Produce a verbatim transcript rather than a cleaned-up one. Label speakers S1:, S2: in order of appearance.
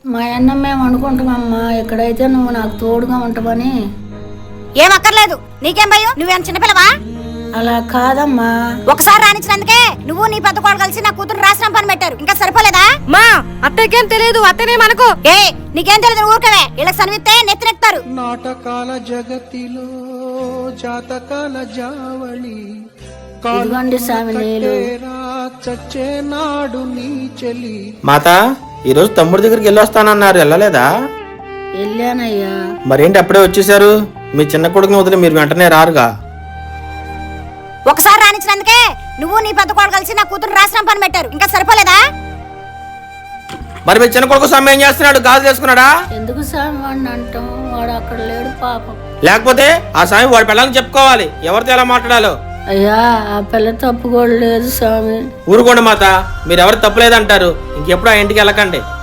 S1: మా అన్న మేము అనుకుంటామమ్మా, ఎక్కడైతే నువ్వు నాకు తోడుగా ఉంటావని.
S2: ఏం అక్కర్లేదు, నీకేం భయం? నువ్వేం చిన్నపిల్లవా?
S1: అలా కాదమ్మా,
S2: ఒకసారి రానిచ్చినందుకే నువ్వు నీ పెద్ద కోడలు కలిసి నా కూతురు రాసిన పని పెట్టారు. ఇంకా సరిపోలేదా?
S3: మా అత్తకేం తెలియదు, అత్తనే మనకు.
S2: ఏ నీకేం తెలియదు ఊరుకవే. వీళ్ళకి సనివిస్తే నెత్తినెక్తారు.
S4: నాటకాల జగతిలో జాతకాల జావళి
S1: ఇదిగోండి స్వామి నీళ్ళు.
S4: చచ్చే నాడు నీ చెలి.
S5: మాత ఈరోజు తమ్ముడి దగ్గరికి వెళ్ళొస్తానన్నారు, వెళ్ళలేదా?
S1: వెళ్ళానయ్యా.
S5: మరేంటి అప్పుడే వచ్చేసారు? మీ చిన్న కొడుకుని వదిలి మీరు వెంటనే రారుగా?
S2: ఒకసారి రానిచ్చినందుకే నువ్వు నీ పెద్ద కోడలు కలిసి నా కూతురు రాసిన పని పెట్టారు. ఇంకా సరిపోలేదా?
S5: మరి మీ చిన్న కొడుకు స్వామి ఏం చేస్తున్నాడు? గాజు చేసుకున్నాడా?
S1: ఎందుకు స్వామి వాడిని అంటాం? వాడు అక్కడ లేడు పాపం.
S5: లేకపోతే ఆ స్వామి వాడి పిల్లల్ని చెప్పుకోవాలి ఎవరితో ఎలా మాట్లాడాలో.
S1: అయ్యా ఆ పిల్ల తప్పు కూడా లేదు స్వామి.
S5: ఊరుకోండి మాత, మీరు ఎవరు తప్పులేదంటారు. ఇంకెప్పుడు ఆ ఇంటికి వెళ్ళకండి.